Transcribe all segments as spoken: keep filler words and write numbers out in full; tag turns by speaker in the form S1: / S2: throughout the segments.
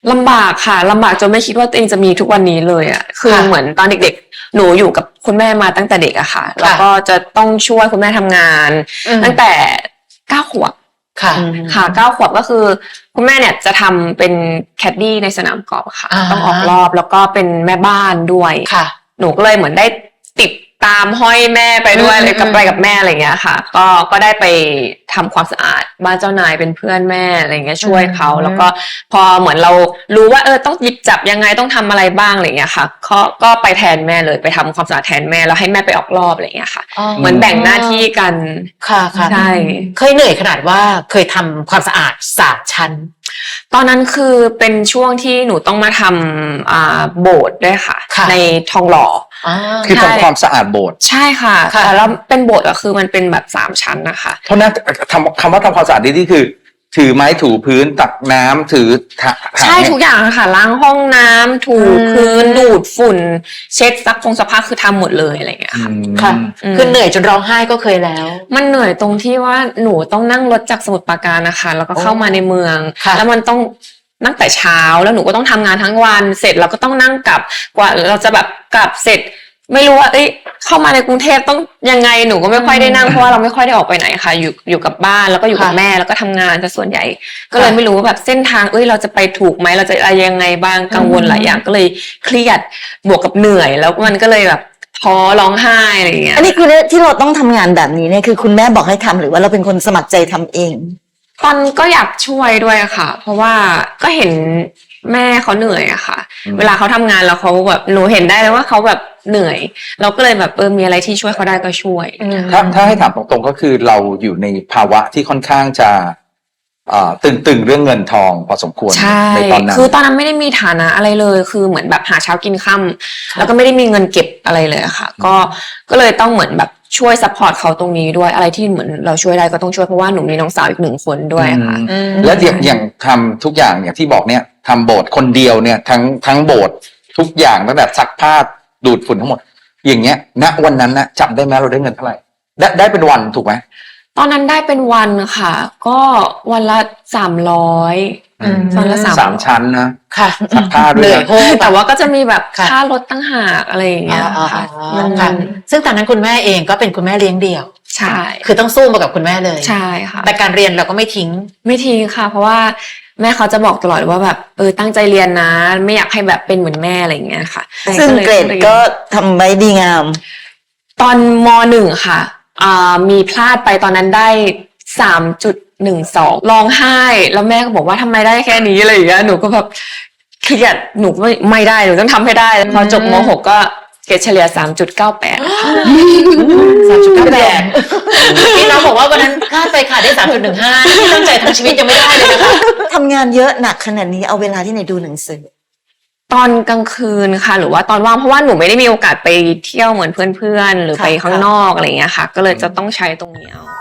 S1: ลำบากค่ะลำบากจนไม่คิดว่าตัวเองจะมีทุกวันนี้เลยอ่ะคือเหมือนตอนเด็กๆหนูอยู่กับคุณแม่มาตั้งแต่เด็กอะค่ะแล้วก็จะต้องช่วยคุณแม่ทำงานตั้งแต่เก้าขวบ
S2: ค่ะ
S1: ค่ะเก้าขวบก็คือคุณแม่เนี่ยจะทำเป็นแคดดี้ในสนามกอล์ฟค่ะต้องออกรอบแล้วก็เป็นแม่บ้านด้วย
S2: ค่ะ
S1: หนูก็เลยเหมือนได้ติดตามห้อยแม่ไปด้วยเลยกับไปกับแม่อะไรเงี้ยค่ะก็ก็ได้ไปทำความสะอาดบ้านเจ้านายเป็นเพื่อนแม่อะไรเงี้ยช่วยเขาแล้วก็พอเหมือนเรารู้ว่าเออต้องหยิบจับยังไงต้องทำอะไรบ้างอะไรเงี้ยค่ะก็ก็ไปแทนแม่เลยไปทำความสะอาดแทนแม่แล้วให้แม่ไปออกรอบอะไรเงี้ยค่ะเหมือนแบ่งหน้าที่กัน
S2: ค่ะค่ะ
S1: ใช่
S2: เคยเหนื่อยขนาดว่าเคยทำความสะอาดสามชั้น
S1: ตอนนั้นคือเป็นช่วงที่หนูต้องมาทำอ่าโบสถ์ด้วยค่ะในทองหล่อ
S3: คือทำความสะอาดโบสถ์
S1: ใช่ค่ะแต่แล้วเป็นโบสถ์ก็คือมันเป็นแบบสามชั้นนะคะ
S3: เพราะนั้นทำคำว่าทำความสะอาดนี่คือถือไม้ถูพื้นตักน้ำถือ
S1: ใช่ทุกอย่างค่ะล้างห้องน้ำถูพื้นดูดฝุ่นเช็ดซักฟงซักผ้าคือทำหมดเลยอะไรอย่างเงี้ยค่ะ
S2: ค่ะคือเหนื่อยจนร้องไห้ก็เคยแล้ว
S1: มันเหนื่อยตรงที่ว่าหนูต้องนั่งรถจากสมุทรปราการนะคะแล้วก็เข้ามาในเมืองแล้วมันต้องนั่งแต่เช้าแล้วหนูก็ต้องทำงานทั้งวันเสร็จเราก็ต้องนั่งกลับกว่าเราจะแบบกลับเสร็จไม่รู้ว่าเอ้ยเข้ามาในกรุงเทพต้องยังไงหนูก็ไม่ค่อยได้นั่งเพราะว่าเราไม่ค่อยได้ออกไปไหนค่ะอยู่อยู่กับบ้านแล้วก็อยู่กับแม่แล้วก็ทำงานแต่ส่วนใหญ่ก็เลยไม่รู้ว่าแบบเส้นทางเอ้ยเราจะไปถูกไหมเราจะอะไรยังไงบ้างกังวลหลายอย่างก็เลยเครียดบวกกับเหนื่อยแล้วมันก็เลยแบบท้อร้องไห้อะไรอย่างเงี้ย
S4: อันนี้คือที่เราต้องทำงานแบบนี้เนี่ยคือคุณแม่บอกให้ทำหรือว่าเราเป็นคนสมัครใจทำเอง
S1: ตอนก็อยากช่วยด้วยค่ะเพราะว่าก็เห็นแม่เขาเหนื่อยอะค่ะเวลาเขาทำงานแล้วเขาแบบหนูเห็นได้เลยว่าเขาแบบเหนื่อยเราก็เลยแบบเออมีอะไรที่ช่วยเขาได้ก็ช่วย
S3: ถ้าถ้าให้ถามตรงๆก็คือเราอยู่ในภาวะที่ค่อนข้างจะตึงๆเรื่องเงินทองพอสมควร
S1: ในตอนนั้นคือตอนนั้นไม่ได้มีฐานะอะไรเลยคือเหมือนแบบหาเช้ากินค่ำแล้วก็ไม่ได้มีเงินเก็บอะไรเลยค่ะก็ก็เลยต้องเหมือนแบบช่วยซัพพอร์ตเขาตรงนี้ด้วยอะไรที่เหมือนเราช่วยได้ก็ต้องช่วยเพราะว่าหนูมีน้องสาวอีกหนึ่งคนด้วยค่ะ
S3: แล้วอย่างอย่างทำทุกอย่างอย่างที่บอกเนี่ยทำโบสถ์คนเดียวเนี่ยทั้งทั้งโบสถ์ทุกอย่างตั้งแต่ซักผ้าดูดฝุ่นทั้งหมดอย่างเงี้ยณวันนั้นนะจำได้ไหมเราได้เงินเท่าไหร่ได้ได้เป็นวันถูกไหม
S1: ตอนนั้นได้เป็นวันค่ะก็วันละสามร้อย
S3: วันละสามสามชั้นนะ
S2: ค่ะ
S3: ซักผ้าด้วย
S1: แต่ว่าก็จะมีแบบค่ารถตั้งหากอะไรอย่างเงี้ยค่ะ
S2: ซึ่งตอนนั้นคุณแม่เองก็เป็นคุณแม่เลี้ยงเดี่ยว
S1: ใช่
S2: คือต้องสู้มากับคุณแม่เลย
S1: ใช่ค่ะ
S2: แต่การเรียนเราก็ไม่ทิ้ง
S1: ไม่ทิ้งค่ะเพราะว่าแม่เขาจะบอกตลอดว่าแบบเออตั้งใจเรียนนะไม่อยากให้แบบเป็นเหมือนแม่อะไรอย่างเงี้ยค่ะ
S4: ซึ่งเกรดก็ทำไว้ดีงาม
S1: ตอนม.หนึ่งค่ะอ่ามีพลาดไปตอนนั้นได้ สามจุดหนึ่งสอง ร้องไห้แล้วแม่ก็บอกว่าทำไมได้แค่นี้อะไรอย่างเงี้ยหนูก็แบบเครียดหนูไม่ไม่ได้หนูต้องทำให้ได้พอจบม.หกก็เกรดเฉลี่ย สามจุดเก้าแปด
S2: สามจุดเก้าแปด พี่น้องบอกว่าวันนั้นพลาดไปค่ะได้ สามจุดหนึ่งห้า ที่ตั้งใจทั้งชีวิตยังไม่ได้เลยนะคะ
S4: ทำงานเยอะหนักขนาดนี้เอาเวลาที่ไหนดูหนังสือ
S1: ตอนกลางคืนค่ะหรือว่าตอนว่างเพราะว่าหนูไม่ได้มีโอกาสไปเที่ยวเหมือนเพื่อนๆหรือไปข้างนอกอะไรอย่างเงี้ยค่ะก็เลยจะต้องใช้ตรงนี้เอา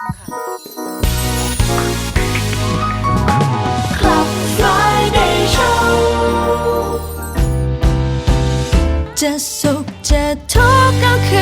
S5: จะสุขจะทุกข์ก็คือ